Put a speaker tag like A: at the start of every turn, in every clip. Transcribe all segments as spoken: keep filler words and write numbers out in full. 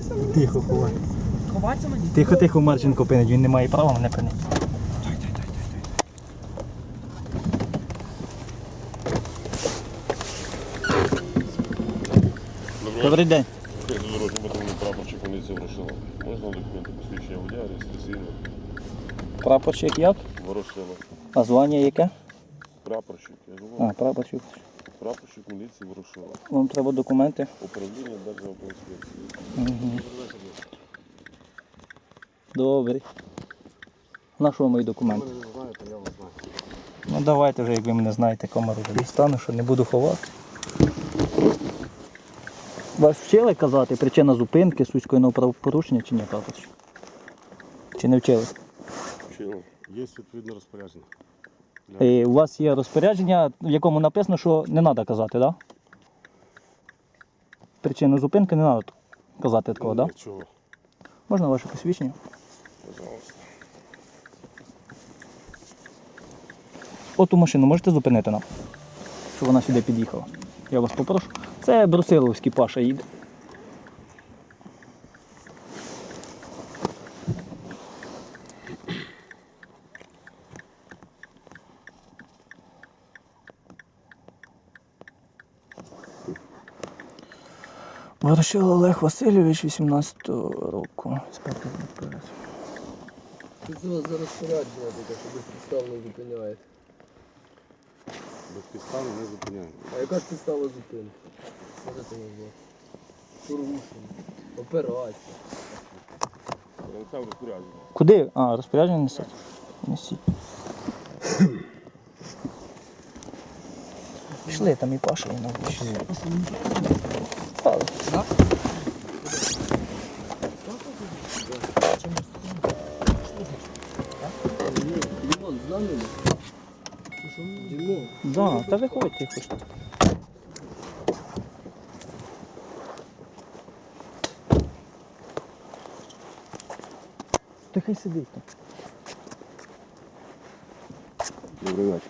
A: Тихо, ховай.
B: Ховатися мені?
A: Тихо, тихо, Марченко пинить, він не має права мене пинити. Добрий день.
C: Дорожній патрульний прапорщик поліції Ворошилова. Можна документи посвідчення водія, реєстраційне?
A: Прапорщик як?
C: Ворошилов.
A: А звання яке?
C: Прапорщик, я
A: А,
C: говорю.
A: прапорщик.
C: Прапорщик міліції Ворошилова.
A: Вам треба документи.
C: Управління Державтоінспекції.
A: Угу. Добре. На що мої документи?
C: Ви не знаєте, я вас знаю.
A: Ну давайте вже, як ви мене знаєте, камеру дістану, що не буду ховати. Вас вчили казати причина зупинки суського правопорушення чи ні, прапорщик? Чи не вчили?
C: Вчили. Є відповідне розпорядження.
A: І у вас є розпорядження, в якому написано, що не треба казати, так? Да? Причину зупинки не треба казати такого, так? Да?
C: Чого?
A: Можна ваше посвідчення?
C: Пожалуйста.
A: Оту машину можете зупинити нам, щоб вона сюди під'їхала? Я вас попрошу. Це Брусиловський Паша їде. Ворошилов Олег Васильович, вісімнадцятого року.
B: Тут у вас зараз порядження таке, що безпідставно зупиняєте.
C: Безпідставно не зупиняємо.
B: А яка ж підстава зупинки? Можете назвати? Порушення. Операція.
C: Це розпорядження.
A: Куди? А, розпорядження несете? Несіть. Пішли, там і Паша, і нам пішли. Стали.
B: Дімон, з нами? Дімон.
A: Да, та виходьте хоч. Та хай сидить там.
C: Добрий вечір.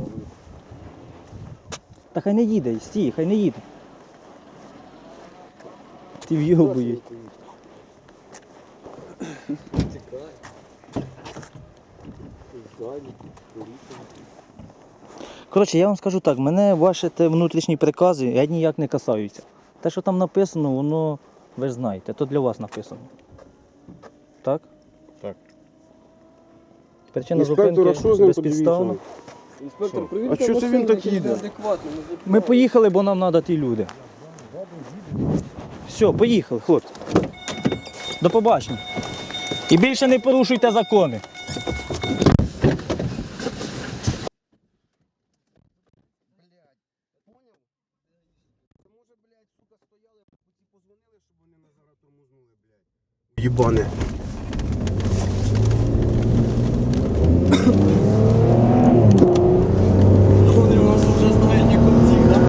A: Та хай не їде, стій, хай не їде. Ти в'йобуєш.
B: Тікай. Ззаді.
A: Коротше, я вам скажу так, мене ваші те внутрішні прикази я ніяк не касаються. Те, що там написано, воно, ви ж знаєте, то для вас написано. Так?
C: Так.
A: Причина
C: Інспектор,
A: зупинки
C: а що з ним
A: безпідставно.
C: подивіться?
B: Інспектор,
C: Що?
B: привірте
C: А що це він
B: машину,
C: так
B: чи
C: їде?
B: неадекватно, не
A: Ми
B: зупиняйте.
A: поїхали, бо нам треба ті люди. Все, поїхали, хлопці. До побачення. І більше не порушуйте закони.
C: Єбане.